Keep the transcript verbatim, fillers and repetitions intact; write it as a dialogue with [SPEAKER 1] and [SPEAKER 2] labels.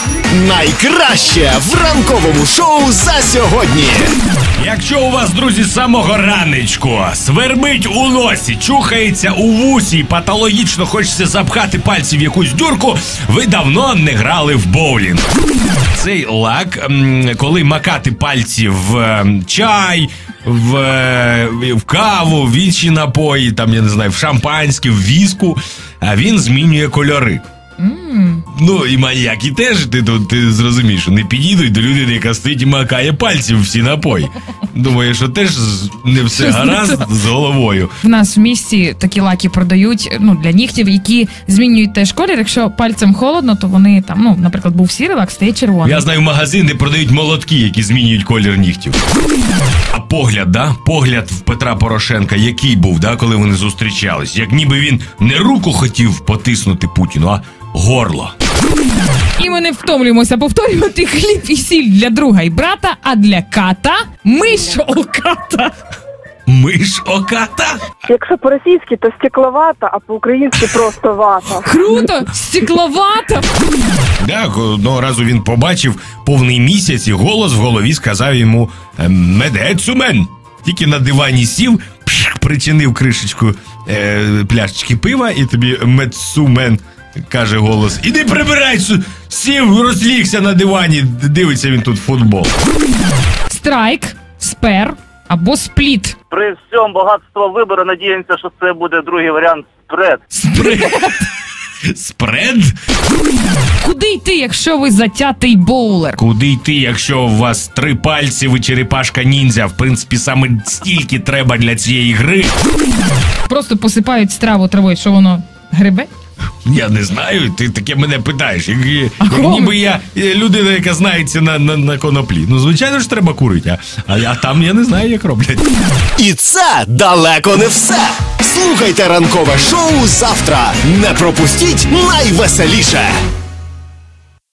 [SPEAKER 1] Найкраще в ранковому шоу за сьогодні.
[SPEAKER 2] Якщо у вас, друзі, з самого ранечку свербить у носі, чухається у вусі і патологічно хочеться запхати пальці в якусь дюрку, ви давно не грали в боулінг. Цей лак, коли макати пальці в чай, в, в каву, в інші напої, там, я не знаю, в шампанське, в віску, а він змінює кольори. Mm. Ну, і маньяки теж, ти, ти, ти зрозумієш, не підійдуть до людини, яка стоїть і макає пальці в всі напої. Думаю, що теж не все гаразд з головою.
[SPEAKER 3] В нас в місті такі лаки продають, ну, для нігтів, які змінюють теж колір. Якщо пальцем холодно, то вони там, ну, наприклад, був сірий лак, стає червоний.
[SPEAKER 2] Я знаю магазин, де продають молотки, які змінюють колір нігтів. А погляд, да? Погляд в Петра Порошенка, який був, да, коли вони зустрічались? Як ніби він не руку хотів потиснути Путіну, а горло.
[SPEAKER 3] І ми не втомлюємося повторювати: хліб і сіль для друга і брата, а для ката миш оката.
[SPEAKER 2] Миш оката?
[SPEAKER 4] Якщо по-російськи, то стекловата, а по-українськи просто вата.
[SPEAKER 3] Круто! Стекловата!
[SPEAKER 2] Так, одного разу він побачив повний місяць і голос в голові сказав йому: «Медецумен». Тільки на дивані сів, пшик, причинив кришечку е, пляшечки пива, і тобі «Медсумен» каже голос: «Іди прибирай!» Сів, розлігся на дивані, дивиться він тут футбол.
[SPEAKER 3] Страйк, спер або спліт.
[SPEAKER 5] При всьому багатство вибору надіємося, що це буде другий варіант – спред.
[SPEAKER 2] Спред? Спред?
[SPEAKER 3] Куди йти, якщо ви затятий боулер?
[SPEAKER 2] Куди йти, якщо у вас три пальці, ви черепашка ніндзя? В принципі, саме стільки треба для цієї гри.
[SPEAKER 3] Просто посипають страву травою, що воно грибе?
[SPEAKER 2] Я не знаю, ти таке мене питаєш. Як, як ніби я людина, яка знається на, на, на коноплі. Ну, звичайно ж, треба курити, а, а там я не знаю, як роблять.
[SPEAKER 1] І це далеко не все. Слухайте ранкове шоу завтра. Не пропустіть найвеселіше.